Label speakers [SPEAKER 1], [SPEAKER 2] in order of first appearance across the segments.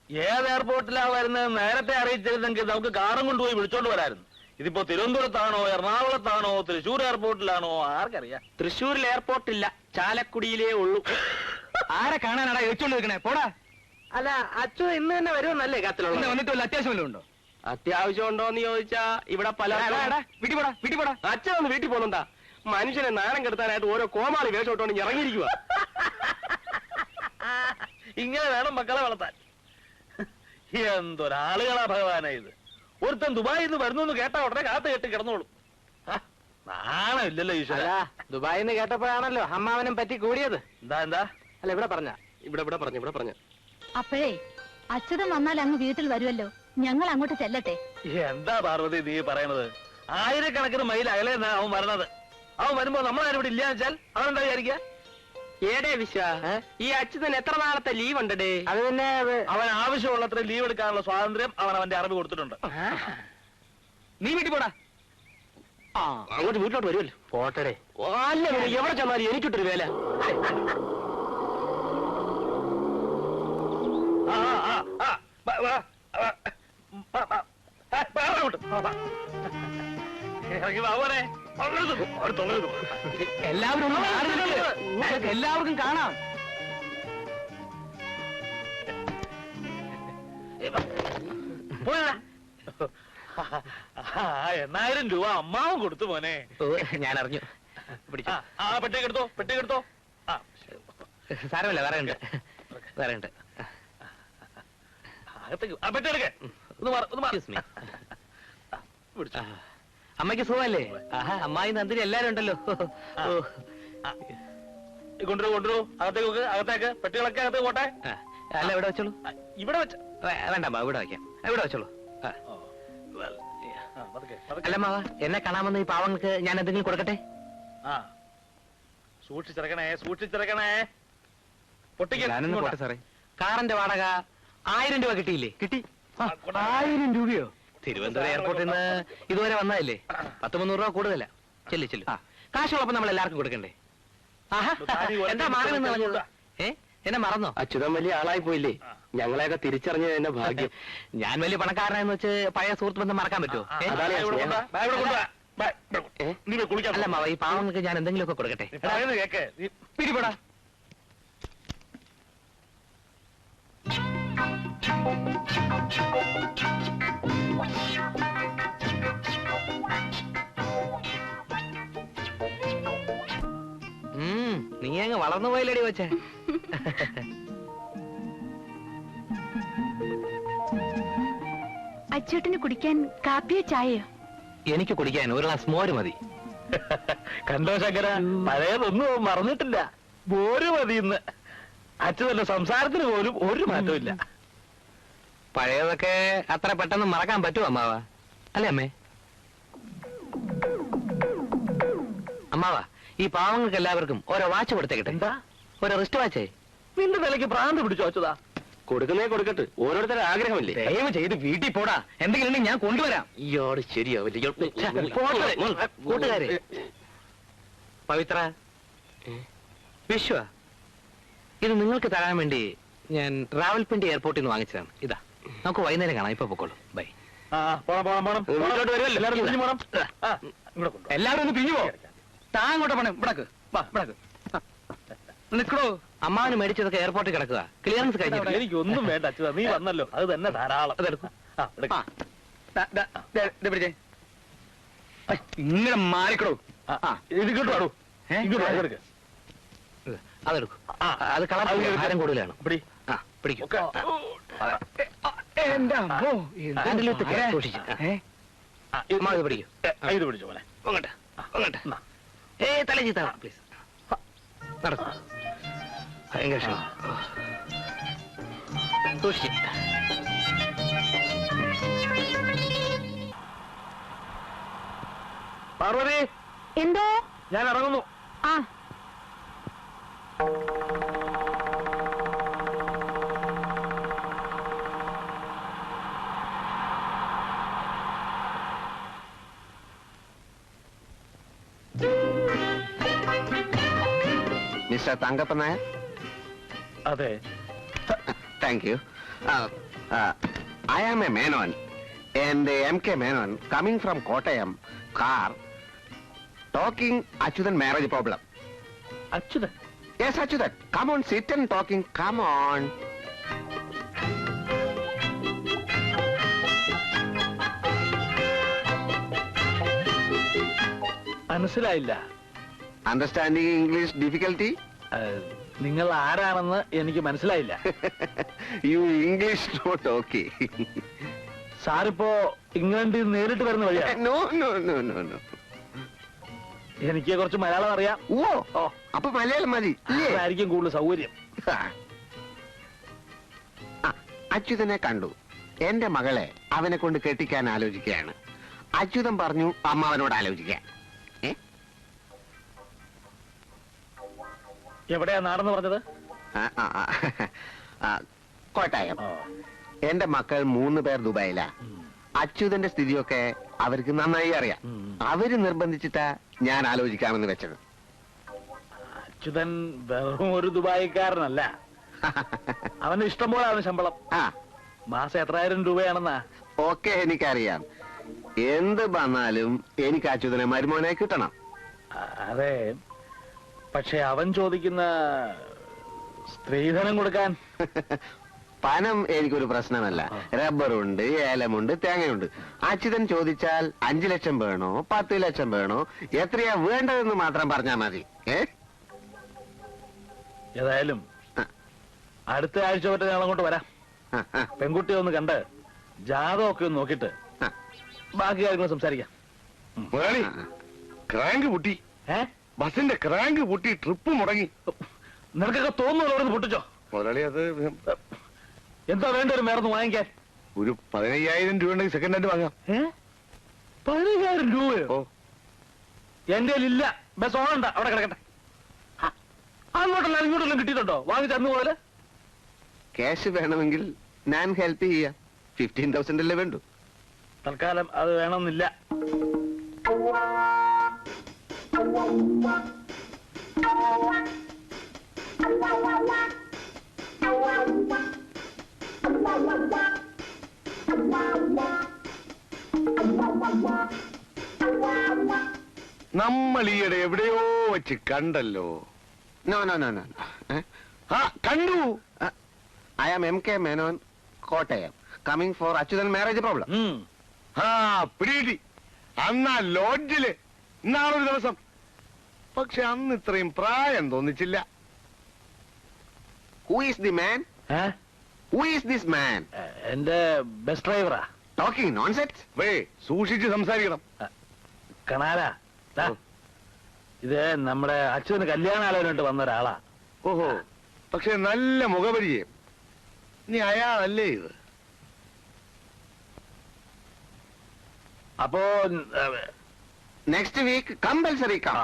[SPEAKER 1] ഏത് എയർപോർട്ടിലാ വരുന്നത് നേരത്തെ അറിയിച്ചിരുന്നെങ്കിൽ നമുക്ക് കാറും കൊണ്ടുപോയി വിളിച്ചോണ്ട് വരായിരുന്നു. ഇതിപ്പോ തിരുവനന്തപുരത്താണോ എറണാകുളത്താണോ തൃശ്ശൂർ എയർപോർട്ടിലാണോ ആർക്കറിയാം.
[SPEAKER 2] തൃശ്ശൂരിൽ എയർപോർട്ടില്ല, ചാലക്കുടിയിലേ ഉള്ളൂ.
[SPEAKER 3] ആരെ കാണാനാടാ വെച്ചോണ്ട് നിൽക്കണേ? പോടാ.
[SPEAKER 2] അല്ല, അച്ഛൻ ഇന്ന് തന്നെ വരുമെന്നല്ലേ കത്തിലുള്ള?
[SPEAKER 3] വന്നിട്ട് വല്ല അത്യാവശ്യം വല്ലതും ഉണ്ടോ?
[SPEAKER 2] അത്യാവശ്യം ഉണ്ടോന്ന് ചോദിച്ചാ ഇവിടെ പല
[SPEAKER 3] വീട്ടിൽ പോടാ, വീട്ടിൽ പോടാ.
[SPEAKER 2] അച്ഛൻ ഒന്ന് വീട്ടിൽ പോകുന്നുണ്ടാ? മനുഷ്യനെ നാണം കെടുത്താനായിട്ട് ഓരോ കോമാളി വേഷം ഇട്ടോണ്ട് ഇറങ്ങിയിരിക്കുക.
[SPEAKER 1] ഇങ്ങനെ വേണം മക്കളെ വളർത്താൻ. എന്തൊരാളുകളാ ഭഗവാനാ ഇത്. ഒരുത്തൻ ദുബായിൽ നിന്ന് വരുന്നു എന്ന് കേട്ടാ ഉടനെ കാത്തു കെട്ടി കിടന്നോളും. നാണമില്ലല്ലോ ഈശ്വര.
[SPEAKER 2] ദുബായിൽ നിന്ന് കേട്ടപ്പോഴാണല്ലോ അമ്മാവനും പറ്റി കൂടിയത്.
[SPEAKER 1] എന്താ എന്താ?
[SPEAKER 2] അല്ല, ഇവിടെ പറഞ്ഞ
[SPEAKER 4] അപ്പോഴേ അച്യുതൻ വന്നാൽ അങ്ങ് വീട്ടിൽ വരുമല്ലോ, ഞങ്ങൾ അങ്ങോട്ട് ചെല്ലട്ടെ.
[SPEAKER 1] എന്താ പാർവതി നീ പറയണത്? ആയിരക്കണക്കിന് മൈൽ അകലെ അവൻ വരണത്. അവൻ വരുമ്പോ നമ്മളാരും ഇവിടെ ഇല്ലാന്ന് വെച്ചാൽ അവൻ എന്താ വിചാരിക്കുക?
[SPEAKER 2] ഏടേ വിശ്വ, ഈ അച്യുതൻ എത്ര നാളത്തെ ലീവ് ഉണ്ടേ? അത് പിന്നെ
[SPEAKER 1] അവൻ ആവശ്യമുള്ളത്ര ലീവ് എടുക്കാനുള്ള സ്വാതന്ത്ര്യം അവൻ അവന്റെ അറിവ് കൊടുത്തിട്ടുണ്ട്.
[SPEAKER 3] നീ വീട്ടിൽ പോടാ.
[SPEAKER 2] അങ്ങോട്ട് വീട്ടിലോട്ട് വരുമല്ലോ. പോട്ടടേ. അല്ല, എവിടെ ചെന്നാലും എനിക്കിട്ടൊരു വേല.
[SPEAKER 3] എല്ലാവരും എല്ലാവർക്കും കാണാം.
[SPEAKER 1] എണ്ണായിരം രൂപ അമ്മാവും കൊടുത്തു മോനെ.
[SPEAKER 2] ഞാൻ അറിഞ്ഞു.
[SPEAKER 1] പെട്ടിക്കെടുത്തോ, പെട്ടിക്കെടുത്തോ.
[SPEAKER 2] സാരമല്ല, വേറെ ഉണ്ട്.
[SPEAKER 1] പെട്ടിയെടുക്കേ.
[SPEAKER 2] അമ്മയ്ക്ക് സുഖമല്ലേ? അമ്മായി നന്ദിനി എല്ലാരും ഉണ്ടല്ലോ.
[SPEAKER 1] കൊണ്ടുവരൂ. അകത്തേക്ക് പെട്ടികളൊക്കെ അകത്തേക്ക് പോട്ടെ.
[SPEAKER 2] അല്ല, ഇവിടെ വെച്ചോളൂ.
[SPEAKER 1] ഇവിടെ വെച്ച
[SPEAKER 2] വേണ്ട, ഇവിടെ വയ്ക്കാം. ഇവിടെ വെച്ചോളൂ. അല്ല മാവ, എന്നെ കാണാമെന്ന് ഈ പാവങ്ങൾക്ക് ഞാൻ എന്തെങ്കിലും കൊടുക്കട്ടെ?
[SPEAKER 1] സൂക്ഷിച്ചിറക്കണേ.
[SPEAKER 3] പോട്ടെ സാറേ.
[SPEAKER 2] കാറിന്റെ വാടക 1000 രൂപ കിട്ടിയില്ലേ?
[SPEAKER 3] കിട്ടി. 1000 രൂപയോ?
[SPEAKER 2] തിരുവനന്തപുരം എയർപോർട്ടിൽ നിന്ന് ഇതുവരെ വന്നതല്ലേ? 100-300 രൂപ കൂടുതല. ചെല്ലു. കാശുള്ളപ്പോ നമ്മൾ എല്ലാവർക്കും കൊടുക്കണ്ടേ? എന്താ മാറുമെന്ന് പറഞ്ഞത്? എന്നെ മറന്നോ? അച്യുതൻ വലിയ ആളായി പോയില്ലേ? ഞങ്ങളെയൊക്കെ തിരിച്ചറിഞ്ഞത് എന്നെ ഭാഗ്യം. ഞാൻ വലിയ പണക്കാരനെന്ന് വെച്ച് പഴയ സുഹൃത്ത് ബന്ധം മറക്കാൻ പറ്റുമോ? അല്ല മാവ, ഈ പാവങ്ങൾക്ക് ഞാൻ എന്തെങ്കിലുമൊക്കെ കൊടുക്കട്ടെ.
[SPEAKER 1] പിടിപെടാ.
[SPEAKER 2] നീ അങ്ങ് വളർന്നു പോയില്ലടി വെച്ചേ.
[SPEAKER 4] അച്ചൂട്ടിന് കുടിക്കാൻ കാപ്പിയോ ചായയോ?
[SPEAKER 2] എനിക്ക് കുടിക്കാൻ ഒരു ഗ്ലാസ് മോര് മതി.
[SPEAKER 1] കണ്ടോ ശങ്കര, പഴയതൊന്നും മറന്നിട്ടില്ല. മോര് മതി. ഇന്ന് അച്ഛന്റെ സംസാരത്തിന് പോലും ഒരു മാറ്റവും ഇല്ല.
[SPEAKER 2] പഴയതൊക്കെ അത്ര പെട്ടെന്ന് മറക്കാൻ പറ്റുമോ അമ്മാവ? അല്ലേ അമ്മേ? അമ്മാവ, ഈ പാവങ്ങൾക്ക് എല്ലാവർക്കും ഓരോ വാച്ച് കൊടുത്തേക്കട്ടെ.
[SPEAKER 1] എന്താ?
[SPEAKER 2] ഓരോ റിസ്റ്റ് വാച്ചേ.
[SPEAKER 1] നിന്റെ നിലയ്ക്ക് ഭ്രാന്ത് പിടിച്ചു അച്യുതാ.
[SPEAKER 2] കൊടുക്കുന്നേ കൊടുക്കട്ടെ, ഓരോരുത്തരുടെ ആഗ്രഹമില്ലേ?
[SPEAKER 3] ദയവ് ചെയ്ത് വീട്ടിൽ പോടാ. എന്തെങ്കിലും ഉണ്ടെങ്കിൽ ഞാൻ കൊണ്ടുവരാം.
[SPEAKER 2] ഇയാള് ശരിയാവില്ല. കൂട്ടുകാരെ, പവിത്ര, വിശ്വ, ഇത് നിങ്ങൾക്ക് തരാൻ വേണ്ടി ഞാൻ റാവൽപിണ്ടി എയർപോർട്ടിൽ നിന്ന് വാങ്ങിച്ചതാണ്. ഇതാ, നമുക്ക് വൈകുന്നേരം കാണാം. ഇപ്പൊ പൊക്കോളൂ. ബൈ.
[SPEAKER 3] എല്ലാവരും ഒന്ന് പിരിഞ്ഞു പോ. താങ്ങോട്ട് പണം. ഇവിടക്ക് നിൽക്കണോ?
[SPEAKER 2] അമ്മാവന് മേടിച്ചതൊക്കെ എയർപോർട്ടിൽ കിടക്കുക. ക്ലിയറൻസ് കഴിഞ്ഞു.
[SPEAKER 1] എനിക്കൊന്നും വേണ്ട അച്യുതാ, നീ വന്നല്ലോ, അത് തന്നെ ധാരാളം.
[SPEAKER 2] അതെടുക്കും.
[SPEAKER 3] ഇങ്ങനെ മാറിക്കടോ.
[SPEAKER 1] ഇങ്ങോട്ടോ, ഇങ്ങോട്ട്
[SPEAKER 2] അതെടുക്കും. അത് കളർ ഭാരം കൂടുതലാണ്. പിടിക്കും.
[SPEAKER 1] ഇത് പിടിച്ചോ മോനെ.
[SPEAKER 2] തല ചീത്ത പ്ലീസ്. നടക്കും. ഭയങ്കര സൂക്ഷിച്ച്.
[SPEAKER 1] പാർവതി,
[SPEAKER 4] എന്തോ?
[SPEAKER 1] ഞാൻ ഇറങ്ങുന്നു.
[SPEAKER 2] മിസ്റ്റർ തങ്കപ്പൻ നായർ?
[SPEAKER 1] അതെ.
[SPEAKER 2] Thank you.
[SPEAKER 5] I am a Menon, and MK Menon coming from Kottayam, car, talking Achyutan marriage problem.
[SPEAKER 1] Achyuthan
[SPEAKER 5] Yes, Achyutan, come on, sit and talking, come on.
[SPEAKER 1] മനസ്സിലായില്ല.
[SPEAKER 5] Understanding English difficulty?
[SPEAKER 1] നിങ്ങൾ ആരാണെന്ന് എനിക്ക് മനസ്സിലായില്ല.
[SPEAKER 5] You English not okay.
[SPEAKER 1] സാറിപ്പോ ഇംഗ്ലണ്ടിൽ നേരിട്ട് വരുന്ന വഴിയാ?
[SPEAKER 5] No, no, no, no, no.
[SPEAKER 1] എനിക്ക് കുറച്ച് മലയാളം അറിയാം.
[SPEAKER 5] ഓ അപ്പൊ മലയാളം മതി
[SPEAKER 1] അതായിരിക്കും കൂടുതൽ സൗകര്യം.
[SPEAKER 5] അച്യുതനെ കണ്ടു. എന്റെ മകളെ അവനെ കൊണ്ട് കെട്ടിക്കാൻ ആലോചിക്കുകയാണ്. അച്യുതൻ പറഞ്ഞു അമ്മാവനോട് ആലോചിക്കാൻ.
[SPEAKER 1] എവിടെയാ നാടെന്ന് പറഞ്ഞത്?
[SPEAKER 5] കോട്ടയം. എന്റെ മക്കൾ 3 പേർ ദുബായിലാ. അച്യുതന്റെ സ്ഥിതിയൊക്കെ അവർക്ക് നന്നായി അറിയാം. അവര് നിർബന്ധിച്ചിട്ടാ ഞാൻ ആലോചിക്കാമെന്ന് വെച്ചത്.
[SPEAKER 1] അച്യുതൻ വെറും ഒരു ദുബായിക്കാരനല്ല. അവന് ഇഷ്ടംപോലെ അവന് ശമ്പളം. മാസം എത്രായിരം രൂപയാണെന്നാ?
[SPEAKER 5] ഓക്കെ, എനിക്കറിയാം. എന്ത് വന്നാലും എനിക്ക് അച്യുതനെ മരുമോനായി കിട്ടണം.
[SPEAKER 1] അതെ, പക്ഷെ അവൻ ചോദിക്കുന്ന സ്ത്രീധനം കൊടുക്കാൻ
[SPEAKER 5] പണം എനിക്കൊരു പ്രശ്നമല്ല. റബ്ബറുണ്ട്, ഏലമുണ്ട്, തേങ്ങയുണ്ട്. അച്യുതൻ ചോദിച്ചാൽ 5 ലക്ഷം വേണോ 10 ലക്ഷം വേണോ എത്രയാ വേണ്ടതെന്ന് മാത്രം പറഞ്ഞാൽ മതി.
[SPEAKER 1] ഏതായാലും അടുത്ത ആഴ്ച വരെ ഞാൻ അങ്ങോട്ട് വരാം. പെൺകുട്ടിയെ ഒന്ന് കണ്ട് ജാതകമൊക്കെ ഒന്ന് നോക്കിട്ട് ബാക്കി കാര്യങ്ങൾ സംസാരിക്കാം.
[SPEAKER 5] ക്രാങ്ക് പൊട്ടി, ബസിന്റെ ക്രാങ്ക് പൊട്ടി, ട്രിപ്പ് മുടങ്ങി.
[SPEAKER 1] നിനക്കൊക്കെ തോന്നുന്നു അവിടെ പൊട്ടിച്ചോ?
[SPEAKER 5] മുതലാളി, അത്
[SPEAKER 1] എന്താ വേണ്ട ഒരു മേർന്ന് വാങ്ങിക്കാൻ?
[SPEAKER 5] ഒരു 15,000 രൂപ ഉണ്ടെങ്കിൽ സെക്കൻഡ് ഹാൻഡ് വാങ്ങാം.
[SPEAKER 1] 15,000 രൂപയോ? എന്റെ ഇല്ല. ബസ് ഓണണ്ട, അവിടെ കിടക്കട്ടെ. അങ്ങോട്ടല്ല ഇങ്ങോട്ടെല്ലാം കിട്ടിയിട്ടുണ്ടോ? വാങ്ങിച്ച അന്ന് പോലെ
[SPEAKER 5] ക്യാഷ് വേണമെങ്കിൽ ഞാൻ ഹെൽപ്പ് ചെയ്യാം. 15,000 അല്ലേ വേണ്ടു.
[SPEAKER 1] തൽക്കാലം അത് വേണമെന്നില്ല.
[SPEAKER 5] നമ്മൾ ഈയിടെ എവിടെയോ വെച്ച് കണ്ടല്ലോ. No no no no. കണ്ടു. I am MK Menon, Kottayam, coming for Achyuthan marriage problem. പിടി. അന്നാ ലോഡ്ജില് ഇന്നാളൊരു ദിവസം. പക്ഷെ അന്ന് ഇത്രയും പ്രായം തോന്നിച്ചില്ല. Who is the man? Who is this man?
[SPEAKER 1] എന്റെ ബസ് ഡ്രൈവറാ.
[SPEAKER 5] Talking nonsense. വേ, സൂക്ഷിച്ച് സംസാരിക്കണം.
[SPEAKER 1] കണാലാ, ഇത് നമ്മുടെ അച്ഛന് കല്യാണാലോചനയായിട്ട് വന്ന ഒരാളാ.
[SPEAKER 5] ഓഹോ, പക്ഷെ നല്ല മുഖപരിചയം. നീ അയാളല്ലേ ഇത്?
[SPEAKER 1] അപ്പോ
[SPEAKER 5] നെക്സ്റ്റ് വീക്ക് കമ്പൽസറി കം.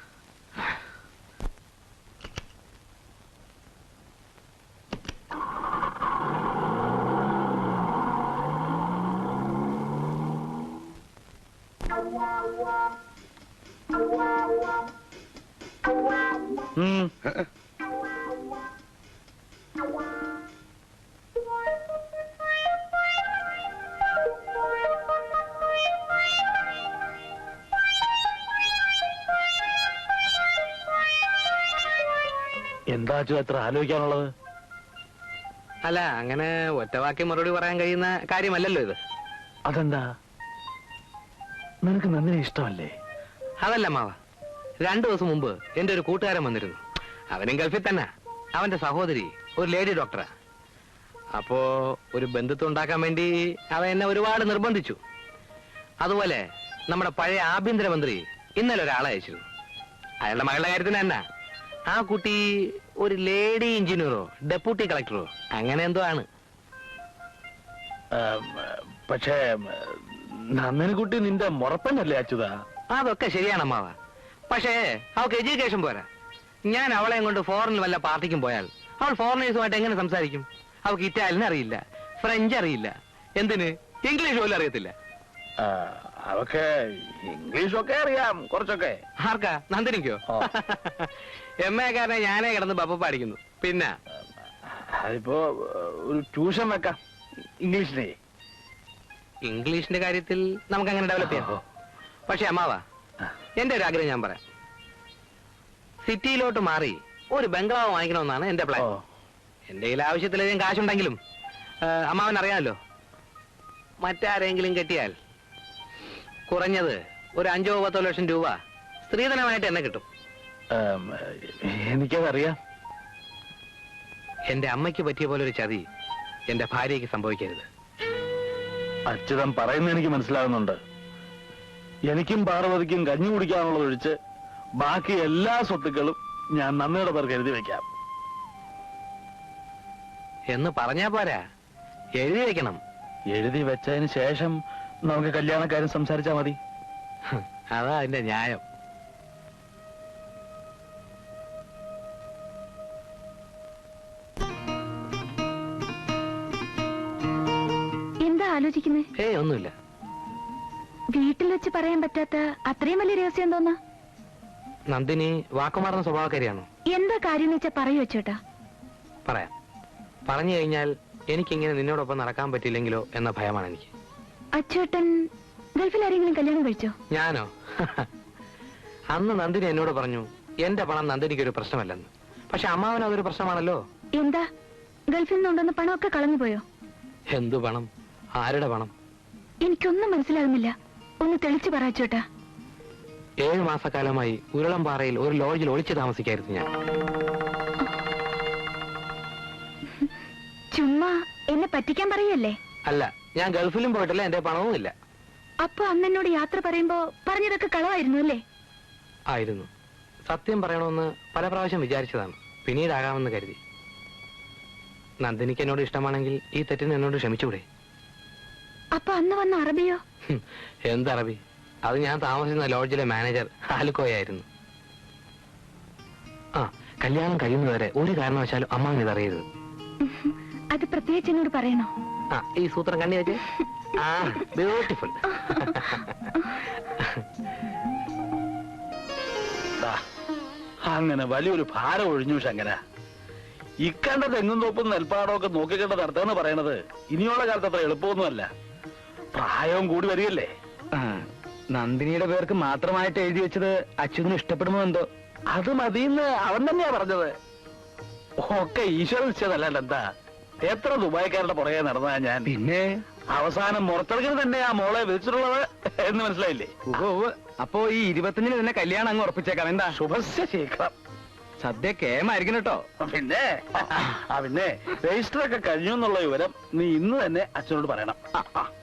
[SPEAKER 1] എന്താ എത്ര ആലോചിക്കാനുള്ളത്?
[SPEAKER 2] അല്ല, അങ്ങനെ ഒറ്റവാക്കി മറുപടി പറയാൻ കഴിയുന്ന കാര്യമല്ലല്ലോ ഇത്.
[SPEAKER 1] അതെന്താ, നിനക്ക് നന്ദിനെ ഇഷ്ടമല്ലേ?
[SPEAKER 2] അതല്ല മാവ, 2 ദിവസം മുമ്പ് എന്റെ ഒരു കൂട്ടുകാരൻ വന്നിരുന്നു. അവനും ഗൾഫിൽ തന്നെ. അവന്റെ സഹോദരി ഒരു ലേഡി ഡോക്ടറാ. അപ്പോ ഒരു ബന്ധുത്വം ഉണ്ടാക്കാൻ വേണ്ടി അവൻ എന്നെ ഒരുപാട് നിർബന്ധിച്ചു. അതുപോലെ നമ്മുടെ പഴയ ആഭ്യന്തരമന്ത്രി ഇന്നലെ ഒരാളെ അയച്ചിരുന്നു. അയാളുടെ മകളുടെ കാര്യത്തിന് തന്നെ. ആ കുട്ടി ഒരു ലേഡി എഞ്ചിനീയറോ ഡെപ്യൂട്ടി കളക്ടറോ അങ്ങനെ എന്തോ ആണ്.
[SPEAKER 1] പക്ഷേ നന്ദനക്കുട്ടി നിന്റെ മുറപ്പന്നല്ലേ അച്യുത?
[SPEAKER 2] അതൊക്കെ ശരിയാണമ്മാവ. പക്ഷേ അവൾക്ക് എഡ്യൂക്കേഷൻ പോരാ. ഞാൻ അവളെ കൊണ്ട് ഫോറിനിൽ വല്ല പാർട്ടിക്കും പോയാൽ അവൾ ഫോറിനേഴ്സുമായിട്ട് എങ്ങനെ സംസാരിക്കും? അവൾക്ക് ഇറ്റാലിയൻ അറിയില്ല, ഫ്രഞ്ച് അറിയില്ല, എന്തിന് ഇംഗ്ലീഷ് പോലും അറിയത്തില്ല.
[SPEAKER 1] അവക്ക് ഇംഗ്ലീഷൊക്കെ അറിയാം കുറച്ചൊക്കെ.
[SPEAKER 2] ആർക്കാ? നന്ദിനിക്കോ? MA കാരനെ ഞാനേ കിടന്ന് ബപ്പ അടിക്കുന്നു. പിന്നെ
[SPEAKER 1] അതിപ്പോ ഒരു ട്യൂഷൻ വെക്കാം ഇംഗ്ലീഷിനെ.
[SPEAKER 2] ഇംഗ്ലീഷിന്റെ കാര്യത്തിൽ നമുക്ക് അങ്ങനെ ഡെവലപ്പ് ചെയ്യാം. പക്ഷെ അമ്മാവാ, എന്റെ ഒരു ആഗ്രഹം ഞാൻ പറയാം. സിറ്റിയിലോട്ട് മാറി ഒരു ബംഗ്ലാവ് വാങ്ങിക്കണമെന്നാണ് എന്റെ പ്ലാൻ. എന്റെ കയ്യിൽ ആവശ്യത്തിലധികം കാശുണ്ടെങ്കിലും അമ്മാവൻ അറിയാമല്ലോ, മറ്റാരെങ്കിലും കെട്ടിയാൽ കുറഞ്ഞത് ഒരു 5-10 ലക്ഷം രൂപ സ്ത്രീധനമായിട്ട് എന്നെ കിട്ടും.
[SPEAKER 1] എനിക്കതറിയാം.
[SPEAKER 2] എന്റെ അമ്മയ്ക്ക് പറ്റിയ പോലെ ഒരു ചതി എന്റെ ഭാര്യയ്ക്ക് സംഭവിക്കരുത്.
[SPEAKER 1] അച്യുതൻ പറയുന്നത് എനിക്ക് മനസ്സിലാകുന്നുണ്ട്. എനിക്കും പാർവതിക്കും കഞ്ഞി കുടിക്കാനുള്ളത് ഒഴിച്ച് ബാക്കി എല്ലാ സ്വത്തുക്കളും ഞാൻ നന്ദിയുടെ പേർക്ക് എഴുതി വെക്കാം.
[SPEAKER 2] എന്ന് പറഞ്ഞാ പോരാ, എഴുതി വെക്കണം.
[SPEAKER 1] എഴുതി വെച്ചതിന് ശേഷം നമുക്ക് കല്യാണക്കാരും സംസാരിച്ചാ മതി.
[SPEAKER 2] അതാ അതിന്റെ ന്യായം.
[SPEAKER 4] എന്താ ആലോചിക്കുന്നേ?
[SPEAKER 2] ഒന്നുമില്ല.
[SPEAKER 4] വീട്ടിൽ വെച്ച് പറയാൻ പറ്റാത്ത അത്രയും വലിയ രഹസ്യം തോന്നാ?
[SPEAKER 2] നന്ദിനി വാക്കുമാറുന്ന സ്വഭാവക്കാരിയാണോ?
[SPEAKER 4] എന്താ കാര്യം എന്ന് വെച്ചാ പറയൂ ചേട്ടാ.
[SPEAKER 2] പറയാം. പറഞ്ഞു കഴിഞ്ഞാൽ എനിക്കിങ്ങനെ നിന്നോടൊപ്പം നടക്കാൻ പറ്റില്ലെങ്കിലോ എന്ന ഭയമാണ് എനിക്ക്.
[SPEAKER 4] അച്ചേട്ടൻ ഗൾഫിൽ ആരെങ്കിലും കല്യാണം കഴിച്ചോ?
[SPEAKER 2] ഞാനോ? അന്ന് നന്ദിനി എന്നോട് പറഞ്ഞു എന്റെ പണം നന്ദിനിക്ക് ഒരു പ്രശ്നമല്ലെന്ന്. പക്ഷെ അമ്മാവൻ അതൊരു പ്രശ്നമാണല്ലോ.
[SPEAKER 4] എന്താ, ഗൾഫിൽ നിന്നുണ്ടെന്ന് പണമൊക്കെ കളഞ്ഞു പോയോ?
[SPEAKER 2] എന്തു പണം? ആരുടെ പണം?
[SPEAKER 4] എനിക്കൊന്നും മനസ്സിലാകുന്നില്ല. ഒന്ന് തെളിച്ചു പറ ചേട്ടാ.
[SPEAKER 2] 7 മാസക്കാലമായി ഉരുളംപാറയിൽ ഒരു ലോഡ്ജിൽ ഒളിച്ചു താമസിക്കായിരുന്നു ഞാൻ.
[SPEAKER 4] ചുമ്മാ എന്നെ പറ്റിക്കാൻ പറയല്ലേ?
[SPEAKER 2] അല്ല, ഞാൻ ഗൾഫിലും പോയിട്ടില്ല, എന്റെ പണവും ഇല്ല.
[SPEAKER 4] അപ്പൊ അന്ന് എന്നോട് യാത്ര പറയുമ്പോ പറഞ്ഞതൊക്കെ കളവായിരുന്നു അല്ലേ?
[SPEAKER 2] ആയിരുന്നു. സത്യം പറയണമെന്ന് പല പ്രാവശ്യം വിചാരിച്ചതാണ്, പിന്നീടാകാമെന്ന് കരുതി. നന്ദിനിക്ക് എന്നോട് ഇഷ്ടമാണെങ്കിൽ ഈ തെറ്റിന് എന്നോട് ക്ഷമിച്ചൂടെ?
[SPEAKER 4] അപ്പൊ അന്ന് വന്ന അറബിയോ?
[SPEAKER 2] എന്തറബി? അത് ഞാൻ താമസിക്കുന്ന ലോഡ്ജിലെ മാനേജർ ആലുക്കോയായിരുന്നു. കല്യാണം കഴിയുന്നവരെ ഒരു കാരണവശാലും അമ്മാവൻ ഇതറിയരുത്.
[SPEAKER 4] അത് പ്രത്യേകിച്ച് എന്നോട് പറയണോ?
[SPEAKER 2] ഈ സൂത്രം കണ്ണി വെച്ച്. ബ്യൂട്ടിഫുൾ.
[SPEAKER 1] അങ്ങനെ വലിയൊരു ഭാരം ഒഴിഞ്ഞു ശങ്കര. ഇക്കണ്ട തെങ്ങും തോപ്പും നെൽപ്പാടമൊക്കെ നോക്കിക്കണ്ട നടത്തുകയെന്ന് പറയണത് ഇനിയുള്ള കാലത്ത് അത്ര എളുപ്പമൊന്നുമല്ല. പ്രായവും കൂടി വരികയല്ലേ.
[SPEAKER 3] നന്ദിനിയുടെ പേർക്ക് മാത്രമായിട്ട് എഴുതി വെച്ചത് അച്യുതന് ഇഷ്ടപ്പെടുമോ എന്തോ?
[SPEAKER 1] അത് മതിയെന്ന് അവൻ തന്നെയാ പറഞ്ഞത്. ഒക്കെ ഈശ്വര നിശ്ചയതല്ല. എന്താ, എത്ര ദുബായ്ക്കാരുടെ പുറകെ നടന്നാ ഞാൻ.
[SPEAKER 3] പിന്നെ
[SPEAKER 1] അവസാനം മുറത്തിറക്കിന് തന്നെയാ മോളെ വിളിച്ചിട്ടുള്ളത് എന്ന് മനസ്സിലായില്ലേ?
[SPEAKER 3] അപ്പോ ഈ 25-ന് തന്നെ കല്യാണം അങ്ങ് ഉറപ്പിച്ചേക്കാം. എന്താ?
[SPEAKER 1] ശുഭസ്യ ശീഘ്രം.
[SPEAKER 3] സദ്യ കേമായിരിക്കും കേട്ടോ.
[SPEAKER 1] പിന്നെ പിന്നെ രജിസ്റ്റർ ഒക്കെ കഴിഞ്ഞു എന്നുള്ള വിവരം നീ ഇന്ന് തന്നെ അച്ഛനോട് പറയണം.